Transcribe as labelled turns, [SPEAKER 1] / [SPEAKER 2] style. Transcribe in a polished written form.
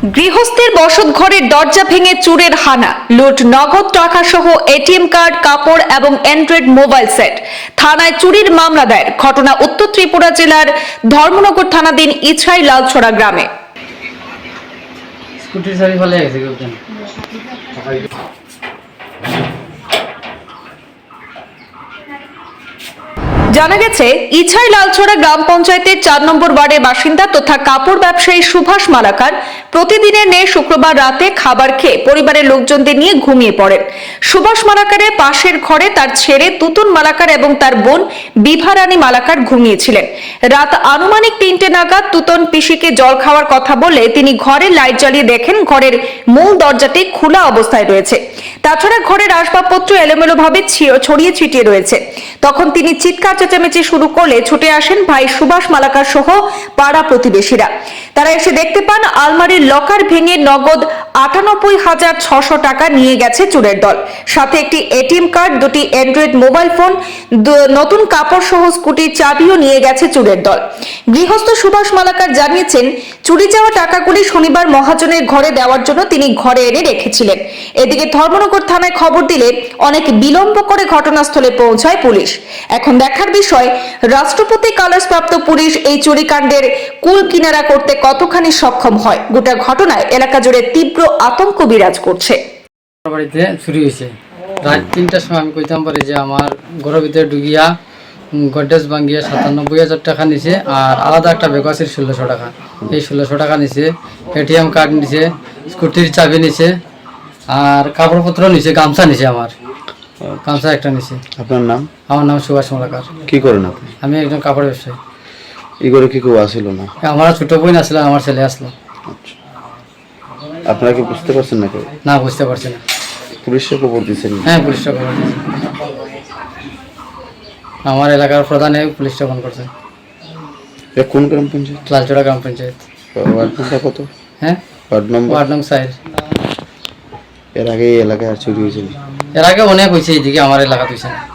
[SPEAKER 1] গৃহস্থের বসত ঘরের দরজা ভেঙে চুরের হানা, লুট নগদ টাকা সহ এটিএম কার্ড, কাপড় এবং অ্যান্ড্রয়েড মোবাইল সেট। থানায় চুরির মামলা দায়ের। ঘটনা উত্তর ত্রিপুরা জেলার ধর্মনগর থানাধীন ইছাই লালছড়া গ্রামে।
[SPEAKER 2] স্কুটির চাবি ফেলে গেছে কেউ।
[SPEAKER 1] জানা গেছে, ইছাই লালছড়া গ্রাম পঞ্চায়েতের 4 নম্বর ওয়ার্ডের বাসিন্দা তথা কাপড় ব্যবসায়ী সুভাষ মালাকার প্রতিদিনের ন্যায় শুক্রবার রাতে খাবার খেয়ে পরিবারের লোকজনদের নিয়ে ঘুমিয়ে পড়েন। সুভাষ মালাকারের পাশের ঘরে তার ছেলে তুতুন মালাকার এবং তার বোন বিভারানী মালাকার ঘুমিয়েছিলেন। রাত আনুমানিক 3টে নাগাদ তুতুন পিসিকে জল খাওয়ার কথা বলে তিনি ঘরের লাইট জ্বালিয়ে দেখেন ঘরের মূল দরজাটি খোলা অবস্থায় রয়েছে। তাছাড়া ঘরের আসবাবপত্র এলোমেলোভাবে ছড়িয়ে ছিটিয়ে রয়েছে। তখন তিনি চিৎকার চেঁচামেচি শুরু করলে ছুটে আসেন ভাই সুভাষ মালাকার সহ পাড়া প্রতিবেশীরা। তারা এসে দেখতে পান আলমারির লকার ভেঙে নগদ ৯৮,৬০০ টাকা নিয়ে গেছে চোরের দল। সাথে একটি এটিএম কার্ড, 2টি অ্যান্ড্রয়েড মোবাইল ফোন, নতুন কাপড় সহ স্কুটির চাবিও নিয়ে গেছে চোরের দল। গৃহস্থ সুভাষ মালাকার জানিয়েছেন, চুরি যাওয়া টাকাগুলি শনিবার মহাজনের ঘরে দেওয়ার জন্য তিনি ঘরে এনে রেখেছিলেন। এদিকে ধর্মনগর থানায় খবর দিলে অনেক বিলম্ব করে ঘটনাস্থলে পৌঁছায় পুলিশ। এখন দেখার বিষয়, রাষ্ট্রপতি কালার্স প্রাপ্ত পুলিশ এই চুরিকাণ্ডের কুল কিনারা করতে কতখানি সক্ষম হয়। গোটা ঘটনায় এলাকা জুড়ে তীব্র আতঙ্ক বিরাজ করছে।
[SPEAKER 2] বাড়িতে চুরি হয়েছে রাত 3টার সময়। আমি কইতাম পারি যে আমার ঘরের ভিতরে ঢুকিয়া গডরেজ ভাঙ্গিয়া ৯৭,০০০ টাকা নিছে, আর আলাদা একটা ব্যাগ আছে ১৬০০ টাকা। এই ১৬০০ টাকা নিছে, এটিএম কার্ড নিছে, স্কুটির চাবি নিছে, আর কাপড়পত্র নিছে, গামছা নিছে, আমার গামছা একটা নিছে।
[SPEAKER 3] আপনার নাম?
[SPEAKER 2] আমার নাম সুভাষ মালাকার।
[SPEAKER 3] কি করেন আপনি?
[SPEAKER 2] আমি একজন কাপড় ব্যবসায়ী।
[SPEAKER 3] এই ঘরে কি কেউ আসিল না?
[SPEAKER 2] আমার ছোট বোন আসলো, আমার ছেলে আসলো।
[SPEAKER 3] আপনারা কি বুঝতে পারছেন না? কেউ
[SPEAKER 2] না, বুঝতে পারছি না।
[SPEAKER 3] পুলিশে খবর দিয়েছেন?
[SPEAKER 2] হ্যাঁ, পুলিশটা খবর দিয়েছে। আমার এলাকার প্রধানে পুলিশটা ফোন করছে।
[SPEAKER 3] কোন গ্রাম পঞ্চায়েত?
[SPEAKER 2] লালচড়া গ্রাম পঞ্চায়েত।
[SPEAKER 3] ওয়ার্ড নম্বর কত?
[SPEAKER 2] হ্যাঁ,
[SPEAKER 3] ওয়ার্ড নম্বর?
[SPEAKER 2] ওয়ার্ড নং 4।
[SPEAKER 3] এর আগে এই এলাকায় আর চুরি হয়েছিল?
[SPEAKER 2] এর আগে অনেক হয়েছে, এইদিকে আমার এলাকা হয়েছে না।